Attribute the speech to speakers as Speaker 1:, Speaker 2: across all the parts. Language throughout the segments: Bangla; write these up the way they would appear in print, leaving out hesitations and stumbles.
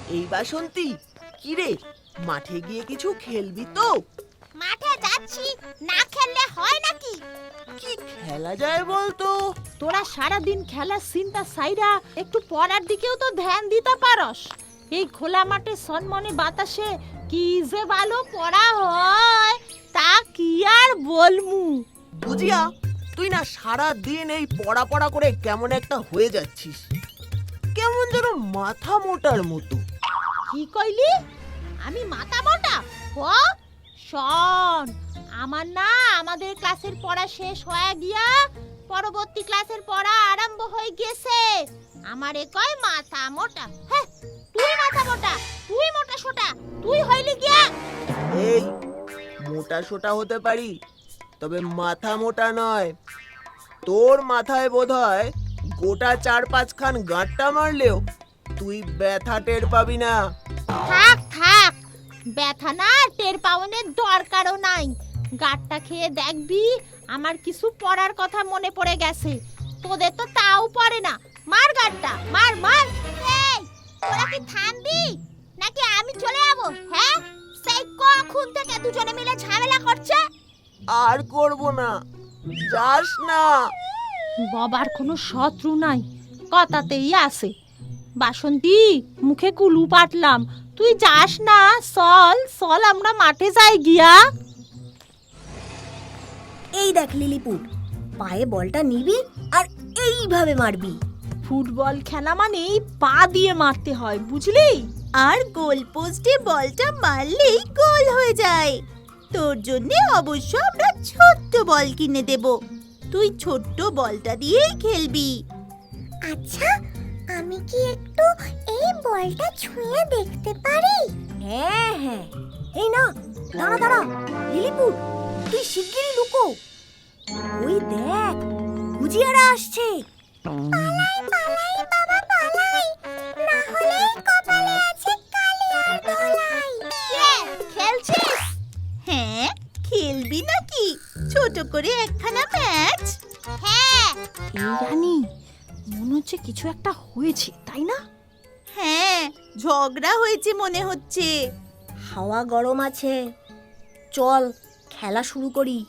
Speaker 1: এই বাসন্তী, কি রে, মাঠে গিয়ে কিছু খেলবি তো?
Speaker 2: মাঠে যাচ্ছি, না খেললে হয় নাকি?
Speaker 1: কি খেলা যায় বলতো?
Speaker 3: তোরা সারাদিন খেলার চিন্তা সাইরা একটু পড়ার দিকেও তো ধ্যান দিতে পারস। এই খোলা মাঠে সনমনে বাতাসে কি যে ভালো পড়া হয় তা কি আর বলমু।
Speaker 1: বুঝিয়া, তুই না সারা দিন এই পড়া পড়া করে কেমন একটা হয়ে যাচ্ছিস, কেমন যেন মাথা মোটার মতো।
Speaker 3: কি কইলি? আমি মাথা মোটা? ও শোন, আমার না আমাদের ক্লাসের পড়া শেষ হয়ে গিয়া পরবর্তী ক্লাসের পড়া আরম্ভ হয়ে গেছে। আমারে কয় মাথা মোটা। হ্যাঁ, তুই মাথা মোটা, তুই মোটা সোটা, তুই হইলি গিয়া।
Speaker 1: এই মোটা সোটা হতে পারি, তবে মাথা মোটা নয়। তোর মাথায় বোধহয় গোটা 4-5 খান গাঁটটা মারলেও তুই ব্যথা টের পাবি না।
Speaker 3: থাক থাক, ব্যথা না টের পাওয়ানোর দরকারও নাই। গাঁটটা খেয়ে দেখবি আমার কিছু পড়ার কথা মনে পড়ে গেছে। তোদের তো তাও পড়ে না। মার গাঁটটা, মার মার।
Speaker 2: এই, তোরা কি থামবি নাকি আমি চলে যাব? হ্যাঁ, সেই কখন থেকে দুজনে মিলে ঝামেলা করছে।
Speaker 1: আর করব না, যাস না।
Speaker 3: বাবার কোনো শত্রু নাই, কথাতেই আছে। বাসন্তী, মুখে কুলু পাটলাম, তুই যাস না। চল চল, আমরা মাঠে যাই গিয়া।
Speaker 4: এই দেখ লিলিপুট, পায়ে বলটা নিবি আর এইভাবে মারবি।
Speaker 3: ফুটবল খেলা মানে পা দিয়ে মারতে হয়, বুঝলি?
Speaker 4: আর গোল পোস্টে বলটা মারলেই গোল হয়ে যায়। তোর জন্য অবশ্য আমরা ছোট্ট বল কিনে দেব, তুই ছোট্ট বলটা দিয়েই খেলবি।
Speaker 2: আচ্ছা, আমি কি একটু এই বলটা ছুঁয়ে দেখতে পারি?
Speaker 4: হ্যাঁ হ্যাঁ, এই না, দাঁড়া দাঁড়া লিলিপুট, তুই শিগগিরই লুকো। ওই দেখ, গুজিয়ারা আসছে।
Speaker 2: পালাই পালাই বাবা পালাই, না হলে কপালে আছে কালি আর ধলাই। কে খেলছিস?
Speaker 4: হ্যাঁ, খেলবি নাকি ছোট করে একখানা ম্যাচ?
Speaker 2: হ্যাঁ।
Speaker 3: এই রানী, মনে হচ্ছে কিছু একটা হয়েছে, তাই না?
Speaker 4: হ্যাঁ, ঝগড়া হয়েছে মনে হচ্ছে। হাওয়া গরম আছে, চল খেলা শুরু করি।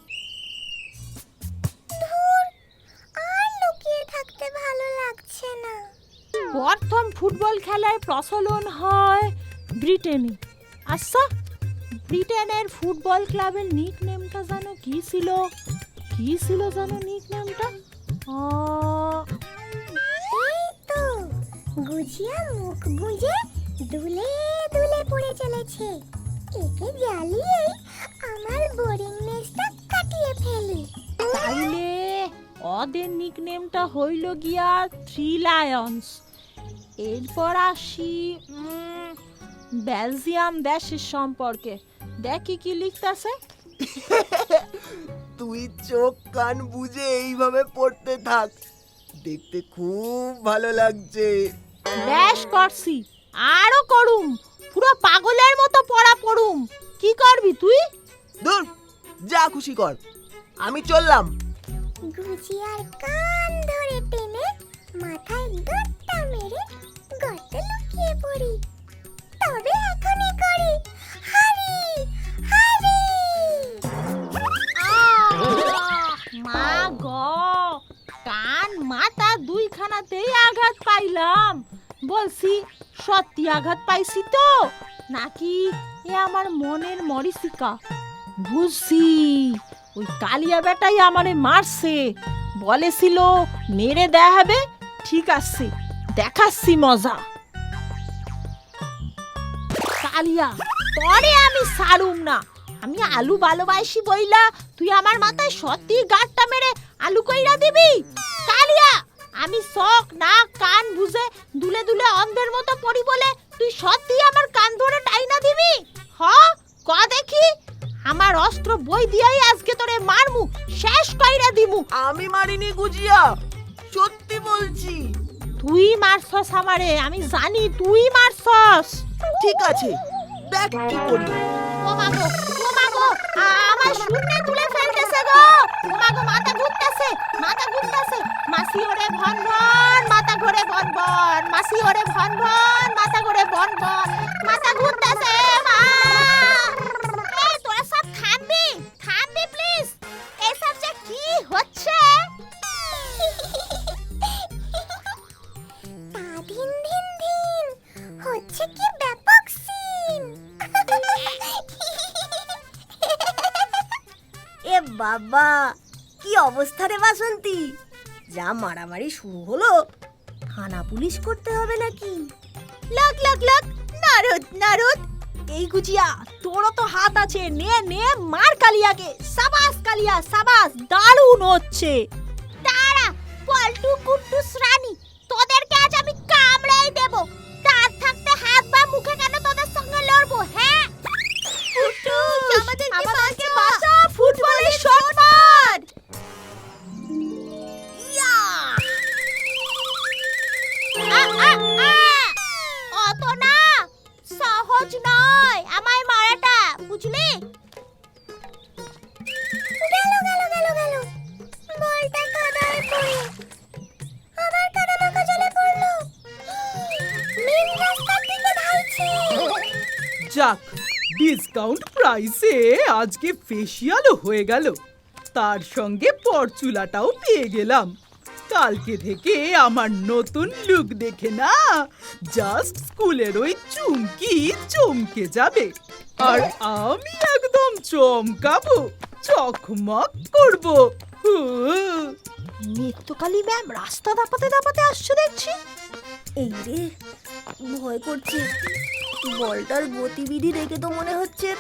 Speaker 2: আর লুকিয়ে থাকতে ভালো লাগছে না।
Speaker 3: প্রথম ফুটবল খেলার প্রচলন হয় ব্রিটেনে। আচ্ছা, ব্রিটেনের ফুটবল ক্লাবের নিক নেমটা জানো কি ছিল? কি ছিল জানো নিক নেমটা?
Speaker 2: এই তো, গুজিয়া মুখ গুজে দুলে দুলে পড়ে চলেছে। একে জ্বালিয়েই আমার বোরিং নেসটা কাটিয়ে ফেলি।
Speaker 3: তাইলে ওদের নিক নেমটা হইল গিয়া থ্রি লায়ন্স। এরপর আসি বেলজিয়াম দেশের সম্পর্কে। দেখি কি লিখতাছে।
Speaker 1: তুই চোখ কান বুঝে এইভাবে পড়তে থাক, দেখতে খুব ভালো লাগছে।
Speaker 3: বেশ করছি, আরো করুম, পুরো পাগলের মতো পড়া পড়ুম। কি করবি তুই?
Speaker 1: দূর, যা খুশি কর, আমি চললাম।
Speaker 2: গুজিয়ার কান ধরে টেনে মাথায় গাঁটটা মেরে গর্তে লুকিয়ে পড়ি। তবে এখনই করি হারি হারি।
Speaker 3: মা গো, কান মাথা দুইখানাতেই আঘাত পাইলাম। বলছি সত্যি আঘাত পাইছি তো, নাকি এ আমার মনের মরিচিকা? বুঝছি, ওই কালিয়া বেটাই আমারে মারছে। বলেছিল মেরে দেয়া হবে। ঠিক আছে, দেখাচ্ছি মজা। কালিয়া, তরে আমি ছাড়ুম না। আমি আলু ভালোবাসি বইলা তুই আমার মাথায় সত্যি গাঁটটা মেরে আলু কইরা দিবি? কালিয়া, আমি চোখ নাক কান বুঝে দুলে দুলে অন্ধের মতো পড়ি বলে তুই সত্যি আমার কান ধরে টাইনা দিবি? হ, ক দেখি। আমার অস্ত্র বই দিয়াই আজকে তোরে মারমু, শেষ কইরা দিমু।
Speaker 1: আমি মারিনি গুজিয়া, সত্যি বলছি।
Speaker 3: তুই মারছস আমারে, আমি জানি তুই মারছস।
Speaker 1: ঠিক আছে, দেখ কি করি।
Speaker 3: ও মাগো, ও মাগো, আমার শূন্যে তুলে ফেলতেছে গো। ও মাগো, মাথা ঘুরতেছে, মাথা ঘুরতেছে। মাসি ওরে ভন ভন, মাথা ঘুরে ভন ভন। মাসি ওরে ভন ভন, মাথা ঘুরে ভন ভন।
Speaker 2: আছে কি ব্যাপক সিন।
Speaker 5: এ বাবা, কি অবস্থা রে বাসন্তী! যা মারামারি শুরু হলো, থানা পুলিশ করতে হবে নাকি?
Speaker 3: লাগ লাগ লাগ, নারদ নারদ। এই গুজিয়া, তোরও তো হাত আছে, নে নে মার কালিয়াকে। সাবাস কালিয়া, সাবাস, দারুণ হচ্ছে।
Speaker 2: তারা পল্টু কুট্টুস রানী, তোদেরকে আজ আমি কামড়াই দেব। তার থাকতে হাত বা মুখে কেন তোদের সঙ্গে লড়বো? হ্যাঁ,
Speaker 3: কুট্টুস, আমাদেরকে বাঁচা, ফুটবলের শট মার।
Speaker 2: আ, আ, আ! অত না সহজ নয় আমায় মারাটা, বুঝলি? গেল গেল গেল গেল, বলটা কাদায় পড়ে আবার কাদামাখা জলে পড়লো। মেন রাস্তার দিকে ধাইছে।
Speaker 6: যাক, ডিসকাউন্ট প্রাইসে আজকে ফেসিয়ালও হয়ে গেল, তার সঙ্গে পরচুলাটাও পেয়ে গেলাম। কালকে থেকে আমার নতুন লুক দেখে না জাস্ট স্কুলের ওই চুমকি চমকে যাবে, আর আমি একদম চমকাবো, চকমক করবো।
Speaker 3: নিত্যকালী ম্যাম রাস্তা দাপাতে দাপাতে আসছে দেখছি।
Speaker 5: এই রে, ভয় করছে। বলটার গতিবিধি দেখে তো মনে হচ্ছে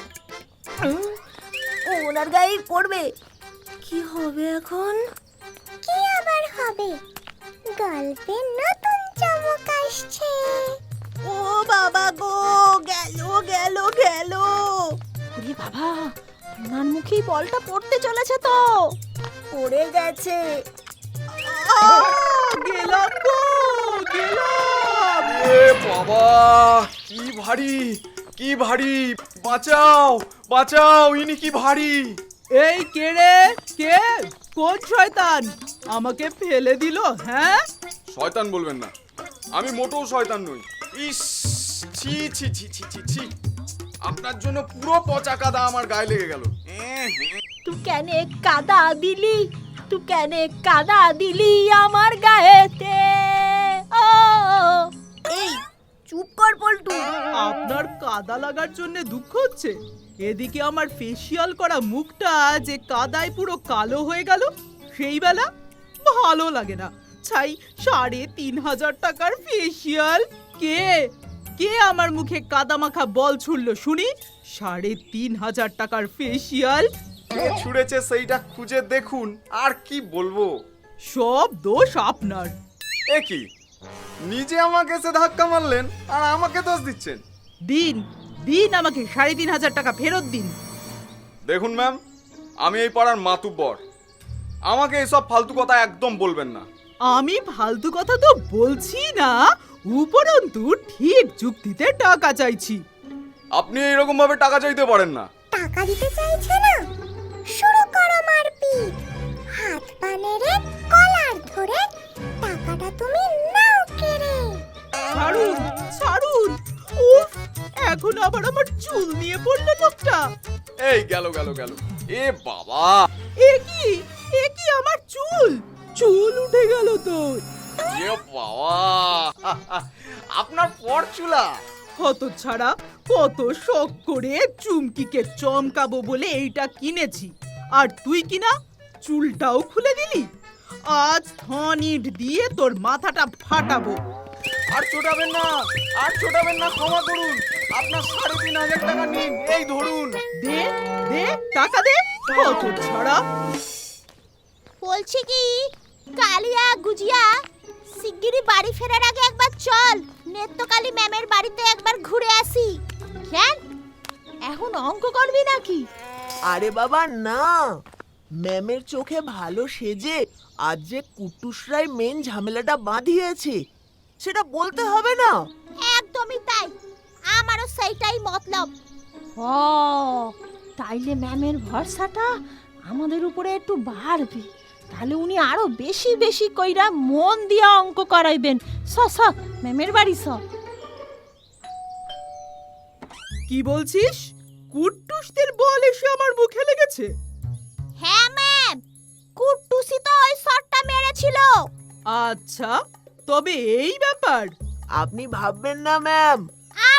Speaker 5: ও ওনার গায়েই পড়বে। কি হবে এখন?
Speaker 2: কি আবার হবে? গল্পে নতুন চমক আসছে।
Speaker 4: ও বাবা গো, গেল গেল গেল।
Speaker 3: ওরে বাবা, ওনার মুখেই বলটা পড়তে চলেছে তো।
Speaker 5: পড়ে গেছে।
Speaker 6: গেলাম গো, গেলাম।
Speaker 7: এ বাবা, কি ভারী, কি ভারী! বাঁচাও, বাঁচাও, ইনি কি ভারী!
Speaker 6: এই কে রে, কে? কোন শয়তান আমাকে ফেলে দিল? হ্যাঁ,
Speaker 7: শয়তান বলবেন না, আমি মোটেও শয়তান নই। ইস, ছি ছি ছি ছি ছি ছি! আপনার জন্য পুরো পচা কাদা আমার গায়ে লেগে গেল।
Speaker 3: তুই কেন কাদা দিলি, তুই কেন কাদা দিলি আমার গায়েতে? ও
Speaker 5: এই চুপ কর পল্টু।
Speaker 6: আপনার কাদা লাগার জন্য দুঃখ হচ্ছে, এদিকে আমার ফেসিয়াল করা মুখটা যে কাদায় পুরো কালো হয়ে গেল, সেই বেলা ভালো লাগে না। ছাই ৩,৫০০ টাকার ফেসিয়াল। কে কে আমার মুখে কাদা মাখা বল ছুড়লো শুনি? ৩,৫০০ টাকার ফেসিয়াল।
Speaker 7: কে ছুঁড়েছে সেইটা খুঁজে দেখুন, আর কি বলবো।
Speaker 6: সব দোষ আপনার।
Speaker 7: এ কি, নিজে আমাকে এসে ধাক্কা মারলেন আর আমাকে দোষ দিচ্ছেন?
Speaker 6: দিন দিন, আমাকে ৩,৫০০ টাকা ফেরত দিন।
Speaker 7: দেখুন ম্যাম, আমি এই পাড়ার মাতুব্বর, আমাকে এসব ফালতু কথা একদম বলবেন না।
Speaker 6: আমি ফালতু কথা তো বলছি না, উপরন্তু ঠিক যুক্তিতে টাকা চাইছি।
Speaker 7: আপনি এইরকম ভাবে টাকা চাইতে পারেন না।
Speaker 2: টাকা দিতে চাইছে না? শুরু করো মারপিট। হাত পা নেড়ে কলার ধরে টাকাটা তুমি নাও কেড়ে।
Speaker 6: ছাড়ুন, ছাড়ুন। উফ, এখন আবার আমার চুল নিয়ে পড়লো লোকটা।
Speaker 7: এই গেল গেল গেল, এ বাবা!
Speaker 6: এ কি আমার চুল? চুল উঠে গেল তো।
Speaker 7: এ বাবা, আপনার পরচুলা!
Speaker 6: হতচ্ছাড়া, কত শখ করে চুমকিকে চমকাবো বলে এইটা কিনেছি, আর তুই কিনা চুলটাও খুলে দিলি। আজ থনিট দিয়ে তোর মাথাটা ফাটাবো।
Speaker 7: আর ছোটাবেন না, আর ছোটাবেন না, ক্ষমা করুন। আপনার ৩,৫০০ টাকা নিন, এই ধরুন।
Speaker 6: দে দে, টাকা দে, হতচ্ছাড়া।
Speaker 2: বলছি কি কালিয়া গুজিয়া, শিগগিরই বাড়ি ফেরার আগে একবার চল নেত্যকালী ম্যামের বাড়িতে একবার ঘুরে আসি।
Speaker 3: কেন এখন অঙ্ক করবি নাকি?
Speaker 1: আরে বাবা না, ম্যামের চোখে ভালো সেজে আজ যে কুট্টুসরাই মেন ঝামেলাটা বাঁধিয়েছে সেটা বলতে হবে না?
Speaker 2: একদমই তাই, আমারও সেইটাই মতলব।
Speaker 3: ও, তাইলে ম্যামের ভরসাটা আমাদের উপরে একটু বাড়বে, তাহলে উনি আরো বেশি বেশি কইরা মন দিয়া অঙ্ক করাইবেন। স ম্যামের বাড়ি স।
Speaker 6: কি বলছিস? কুট্টুসদের বল এসে আমার মুখে লেগেছে?
Speaker 2: হ্যাঁ ম্যাম, কুট্টুসি তো ওই শটটা মেরেছিল।
Speaker 6: আচ্ছা, তবে এই ব্যাপার।
Speaker 1: আপনি ভাববেন না ম্যাম,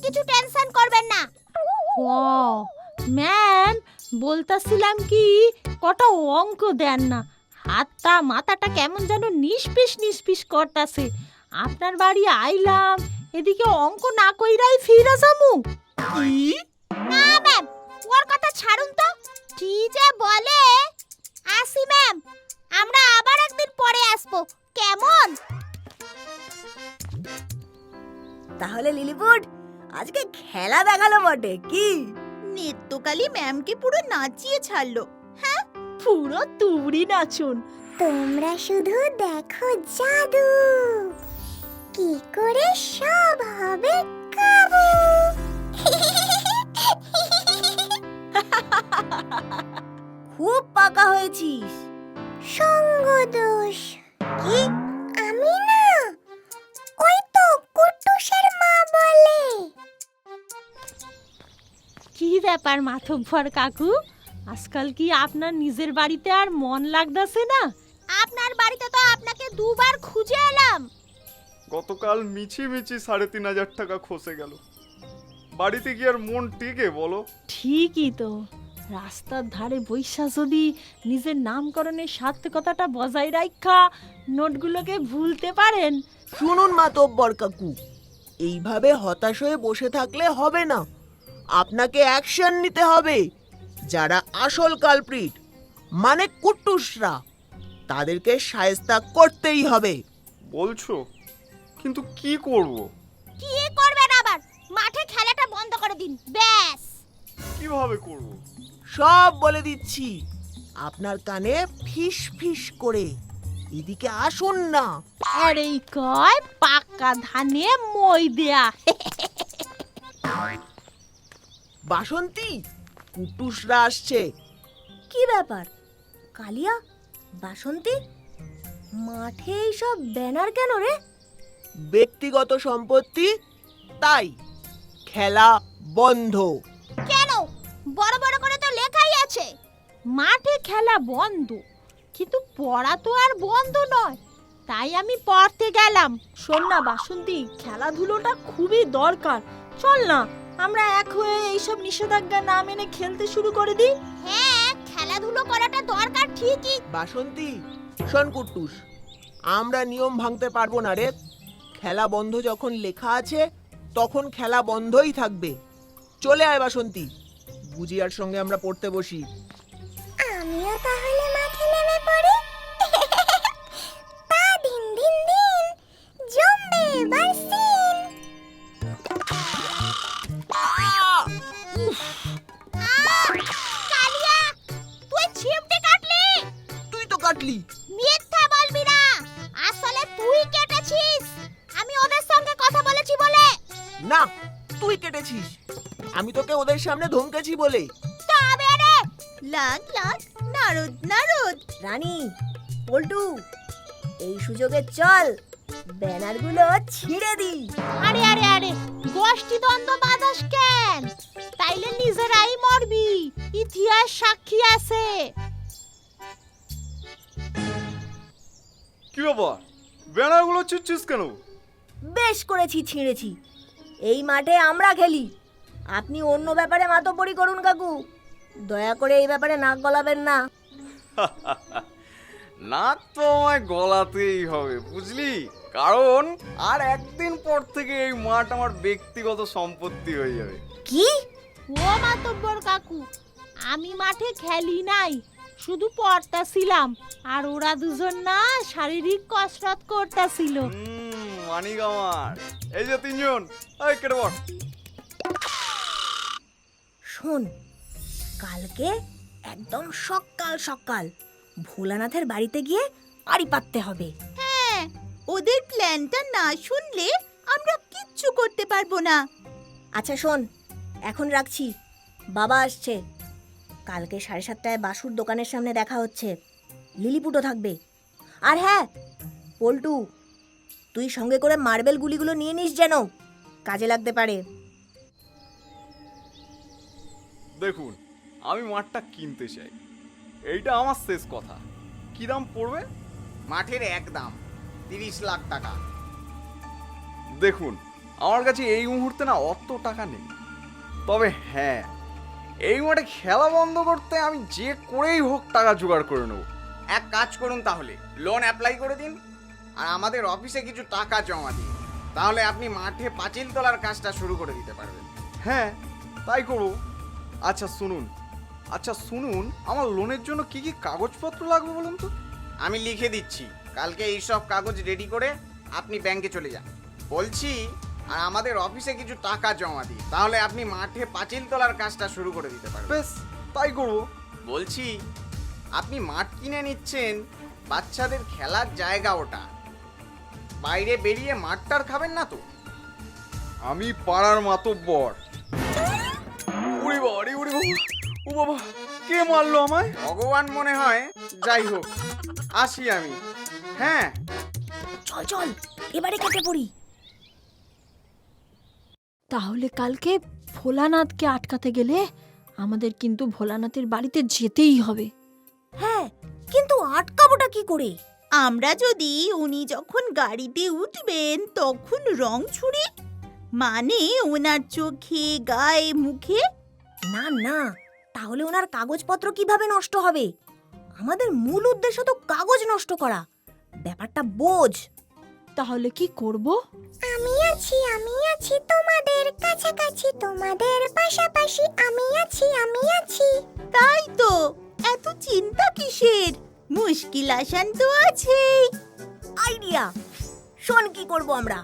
Speaker 2: কিছু টেনশন করবেন না।
Speaker 3: ও ম্যাম, বলতাছিলাম কি কটা অঙ্ক দেন না, হাতটা মাথাটা কেমন যেন নিষ্পিস নিষ্পিস করতাছে। আপনার বাড়ি আইলাম, এদিকে অঙ্ক না কইরাই ফিরে যামু।
Speaker 6: কি?
Speaker 2: না ম্যাম, ওর কথা ছাড়ুন তো। কি যে বলে। আসি ম্যাম, আমরা আবার একদিন পরে আসবো, কেমন?
Speaker 5: তাহলে লিলিপুট আজকে খেলা দেখালো বটে কি?
Speaker 4: নিত্যকালী ম্যামকে পুরো নাচিয়ে ছাড়লো।
Speaker 3: পুরো তুবড়ি নাচুন।
Speaker 2: তোমরা শুধু দেখো জাদু, কি করে সব হবে কাবু।
Speaker 5: খুব পাকা হয়েছিস।
Speaker 2: সঙ্গ দোষ। কি? আমি না, ওই তো কুট্টুসের মা বলে।
Speaker 3: কি ব্যাপার মাথব্বর কাকু, আজকাল কি আপনার নিজের বাড়িতে আর মন লাগতাছে না?
Speaker 2: আপনার বাড়িতে তো আপনাকে দুবার খুঁজে এলাম।
Speaker 7: গতকাল মিছি মিছি ৩,৫০০ টাকা খসে গেল। বাড়িতে কি আর মন টিকে বলো?
Speaker 3: ঠিকই তো, রাস্তার ধারে বৈশা যদি নিজের নামকরণের সার্থকতাটা বজায় রাখা নোটগুলোকে ভুলতে পারেন।
Speaker 1: শুনুন মাতব্বর কাকু, এইভাবে হতাশ হয়ে বসে থাকলে হবে না, আপনাকে অ্যাকশন নিতে হবে। যারা আসল কালপ্রিট মানে কুট্টুসরা, তাদেরকে শায়েস্তা করতেই হবে।
Speaker 7: বলছো, কিন্তু কি করব?
Speaker 2: কি করবেন আবার? মাঠে খেলাটা বন্ধ করে দিন, ব্যাস।
Speaker 7: কিভাবে করব?
Speaker 1: সব বলে দিচ্ছি আপনার কানে ফিস ফিস করে। এদিকে আসুন না।
Speaker 3: আর এই কয় পাক্কা ধানে মই দেয়া।
Speaker 1: বাসন্তী, কুট্টুসরা আসছে।
Speaker 5: কি ব্যাপার কালিয়া, বাসন্তী, মাঠে সব ব্যানার কেন রে?
Speaker 1: ব্যক্তিগত সম্পত্তি, তাই খেলা বন্ধ।
Speaker 2: কেন? বড় বড় করে তো লেখাই আছে।
Speaker 3: মাঠে খেলা বন্ধ, কিন্তু পড়া তো আর বন্ধ নয়, তাই আমি পড়তে গেলাম। শোন না বাসন্তী, খেলাধুলোটা খুবই দরকার। চল না আমরা এক হয়ে এইসব নিষেধাজ্ঞা না মেনে খেলতে শুরু করে দিই।
Speaker 2: হ্যাঁ, খেলাধুলো করাটা দরকার ঠিকই।
Speaker 1: বাসন্তী, শোন কুট্টুস, আমরা নিয়ম ভাঙতে পারবো না রে। খেলা বন্ধ যখন লেখা আছে তখন খেলা বন্ধই থাকবে। চলে আয় বাসন্তী, বুজিয়ার সঙ্গে আমরা পড়তে বসি।
Speaker 2: আমিও তাহলে মাঠে নেমে পড়ি। তা দিন দিন দিন জমবে এবার সিন। কালিয়া, তুই ছিমটে কাটলি।
Speaker 1: তুই তো কাটলি।
Speaker 2: মিথ্যা বলবি না, আসলে তুই কেটেছিস। আমি ওদের সঙ্গে কথা বলেছি বলে।
Speaker 1: না, তুই কেটেছিস। আমি তোকে ওদের সামনে ধমকেছি বলে।
Speaker 2: তবে রে,
Speaker 4: লাগ লাগ, নারদ নারদ।
Speaker 5: রানী, পল্টু, এই সুযোগে চল ব্যানারগুলো ছিঁড়ে দি।
Speaker 3: আরে আরে আরে, গোষ্ঠী দ্বন্দ্ব বাঁধাস কেন? তাইলে নিজেরাই মরবি, ইতিহাস সাক্ষী আছে।
Speaker 7: কি ব্যাপার, ব্যানারগুলো ছিঁড়ছিস কেন?
Speaker 5: বেশ করেছি, ছিঁড়েছি। এই মাঠে আমরা খেলি, আপনি অন্য ব্যাপারে মাতব্বরি করুন কাকু। দয়া করে এই ব্যাপারে নাক গলাবেন না।
Speaker 7: নাক তো আমায় গলাতেই হবে, বুঝলি? কারণ আর একদিন পর থেকে এই মাঠ আমার ব্যক্তিগত সম্পত্তি হয়ে যাবে।
Speaker 5: কি?
Speaker 3: ও মাতব্বর কাকু, আমি মাঠে খেলি নাই, শুধু পড়তাছিলাম। আর ওরা দুজন না শারীরিক কসরত করতাছিল।
Speaker 7: মানিক আমার, এই যে তিনজন, এই কেটে বল।
Speaker 5: শোন, কালকে একদম সকাল সকাল ভোলানাথের বাড়িতে গিয়ে আড়ি পাততে হবে।
Speaker 4: হ্যাঁ, ওদের প্ল্যানটা না শুনলে আমরা কিচ্ছু করতে পারবো না।
Speaker 5: আচ্ছা শোন, এখন রাখছি, বাবা আসছে। কালকে 7:30টায় বাসুর দোকানের সামনে দেখা হচ্ছে। লিলিপুটও থাকবে। আর হ্যাঁ পল্টু, তুই সঙ্গে করে মার্বেল গুলিগুলো নিয়ে নিস, যেন কাজে লাগতে পারে।
Speaker 7: দেখুন, আমি মাঠটা কিনতে চাই, এইটা আমার শেষ কথা। কি দাম পড়বে?
Speaker 8: মাঠের এক দাম 30 লাখ টাকা।
Speaker 7: দেখুন, আমার কাছে এই মুহূর্তে না অত টাকা নেই। তবে হ্যাঁ, এই মাঠে খেলা বন্ধ করতে আমি যে করেই হোক টাকা জোগাড় করে নেব।
Speaker 8: এক কাজ করুন, তাহলে লোন অ্যাপ্লাই করে দিন আর আমাদের অফিসে কিছু টাকা জমা দিন, তাহলে আপনি মাঠে পাঁচিল তোলার কাজটা শুরু করে দিতে পারবেন।
Speaker 7: হ্যাঁ, তাই করো। আচ্ছা শুনুন, আমার লোনের জন্য কি কি কাগজপত্র লাগবে বলুন তো?
Speaker 8: আমি লিখে দিচ্ছি, কালকে এইসব কাগজ রেডি করে আপনি ব্যাংকে চলে যান। বলছি, আর আমাদের অফিসে কিছু টাকা জমা দিন, তাহলে আপনি মাঠে পাঁচিল তোলার কাজটা শুরু করে দিতে পারবেন।
Speaker 7: বেশ, তাই করবো।
Speaker 8: বলছি, আপনি মাঠ কিনে নিচ্ছেন, বাচ্চাদের খেলার জায়গা ওটা, বাইরে বেরিয়ে মাঠটার খাবেন না তো?
Speaker 7: আমি পাড়ার মাতব্বর। উড়ি বাবা, ও বাবা, কে মারলো আমায়?
Speaker 8: ভগবান মনে হয়। যাই হোক, আসি আমি। হ্যাঁ,
Speaker 5: চল চল এবারে কেটে পড়ি।
Speaker 3: তাহলে কালকে ভোলানাথকে আটকাতে গেলে আমাদের কিন্তু ভোলানাথের বাড়িতে যেতেই হবে।
Speaker 5: হ্যাঁ, কিন্তু আটকাবোটা কি করে?
Speaker 4: আমরা যদি উনি যখন গাড়িতে উঠবেন তখন রং ছুড়ি, মানে ওনার চোখে, গায়ে, মুখে।
Speaker 5: না না, তাহলে ওনার কাগজপত্র কিভাবে নষ্ট হবে? আমাদের মূল উদ্দেশ্য তো কাগজ নষ্ট করা। ব্যাপারটা বোঝ।
Speaker 3: তাহলে কি করব?
Speaker 2: আমি আছি তোমাদের কাছাকাছি, তোমাদের পাশাপাশি আমি আছি।
Speaker 4: তাই তো, এত চিন্তা কিসের? মুশকিল আসান তো আছেই।
Speaker 5: আইডিয়া! শোন কি করব আমরা।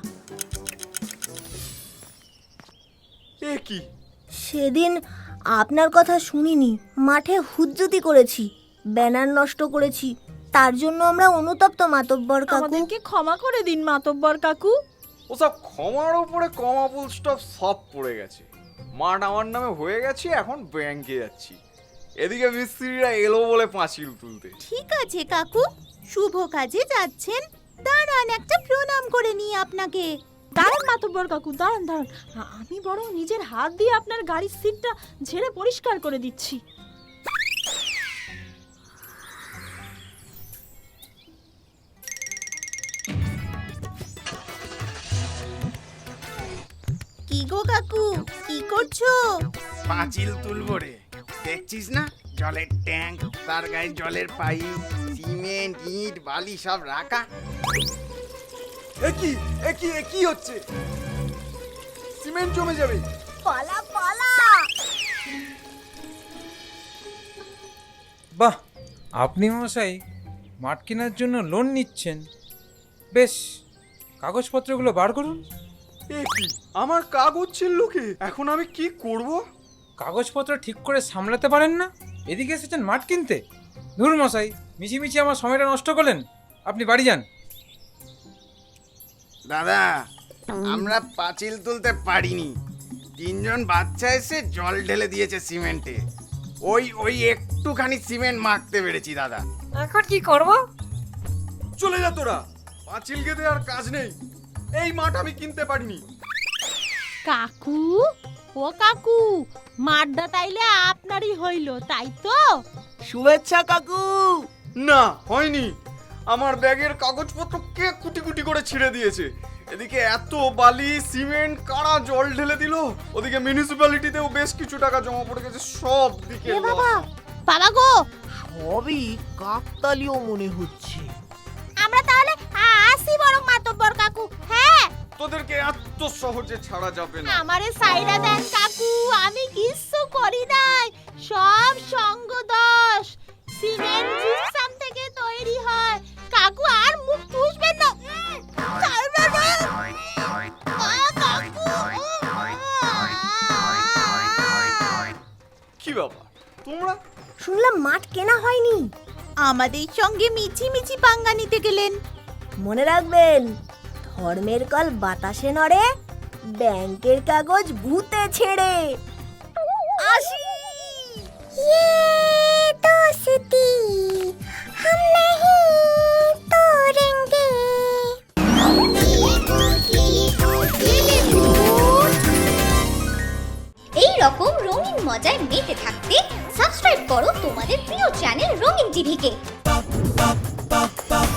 Speaker 7: এ কি?
Speaker 5: সেদিন আপনার কথা শুনিনি, মাঠে হুজ্জুতি করেছি, ব্যানার নষ্ট করেছি, তার জন্য আমরা অনুতপ্ত মাতব্বর কাকু।
Speaker 3: আমাদেরকে ক্ষমা করে দিন মাতব্বর কাকু।
Speaker 7: ওসব ক্ষমার উপরে কমা ফুল স্টপ সব পড়ে গেছে। মাঠ আমার নামে হয়ে গেছে, এখন ব্যাংকে যাচ্ছি। এদিকে মিস্ত্রিরা এলো বলে পাঁচিল তুলতে।
Speaker 4: ঠিক আছে কাকু, শুভ কাজে যাচ্ছেন, দাঁড়ান একটা প্রণাম করে নিই আপনাকে।
Speaker 3: দাঁড়ান মাতব্বর কাকু, দাঁড়ান। আমি বরং নিজের হাত দিয়ে আপনার গাড়ির সিটটা ঝেড়ে পরিষ্কার করে দিচ্ছি।
Speaker 4: কি গো কাকু, কি করছো?
Speaker 8: পাঁচিল তুলবো রে। দেখছিস না, জলের ট্যাঙ্ক, তার গায়ে জলের পাইপ, সিমেন্ট, ইট, বালি সব রাখা।
Speaker 7: এ কি হচ্ছে? সিমেন্ট জমে যাবে।
Speaker 5: পালা পালা!
Speaker 9: বাহ, আপনি মশাই মাঠ কেনার জন্য লোন নিচ্ছেন? বেশ, কাগজপত্রগুলো বার করুন।
Speaker 7: এ কি, আমার কাগজ ছিল কি? এখন আমি কি করব?
Speaker 9: কাগজপত্র ঠিক করে সামলাতে পারেন না, এদিকে এসেছেন মাঠ কিনতে? ধুর মশাই, মিছিমিছি আমার সময়টা নষ্ট করলেন। আপনি বাড়ি যান।
Speaker 8: দাদা, আমরা পাঁচিল তুলতে পারিনি, তিনজন বাচ্চা এসে জল ঢেলে দিয়েছে সিমেন্টে। ওই একটুখানি সিমেন্ট মাখতে পেরেছি দাদা।
Speaker 5: এখন কি করব?
Speaker 7: চলে যা তোরা, পাঁচিল গেঁথে আর কাজ নেই। এই মাঠ আমি কিনতে পারিনি।
Speaker 3: কাকু, ও কাকু, মাঠটা তাইলে আপনারই হইল, তাই তো?
Speaker 1: শুভেচ্ছা কাকু।
Speaker 7: না, হয়নি। আমার ব্যাগের কাগজপত্র কে কুটি কুটি করে ছিঁড়ে দিয়েছে। এদিকে এত বালি, সিমেন্ট, কারা জল ঢেলে দিল। ওদিকে মিউনিসিপ্যালিটিতেও বেশ কিছু টাকা জমা পড়ে গেছে। সব দিকে
Speaker 3: বাবা গো,
Speaker 1: সবই কাকতালীয় মনে হচ্ছে।
Speaker 3: আমরা তাহলে আসি বরং মাতব্বর কাকু। হ্যাঁ,
Speaker 7: তোদেরকে এত সহজে ছাড়া যাবে না।
Speaker 3: আমারে সাইডা দেন কাকু, আমি কিচ্ছু করি নাই, সব সঙ্গ দোষ। সিমেন্ট জিপসাম থেকে তৈরি হয় কাকু, আর মুখ ফুসবেন না। ছাড়বেন না। কাকু,
Speaker 7: কি বাবা, তোমরা?
Speaker 5: শুনলাম মাঠ কেনা হয়নি।
Speaker 4: আমাদের সঙ্গে মিছি পাঙ্গা নিতে গেলেন।
Speaker 5: মনে রাখবেন, ধর্মের কল বাতাসে নড়ে, ব্যাংকের কাগজ ভূতে ছেড়ে। আসি।
Speaker 2: ये दोस्ती हम नहीं तोड़ेंगे।
Speaker 10: এই রকম রঙিন মজায় মেতে থাকতে সাবস্ক্রাইব করো তোমাদের প্রিয় চ্যানেল রঙিন টিভিকে।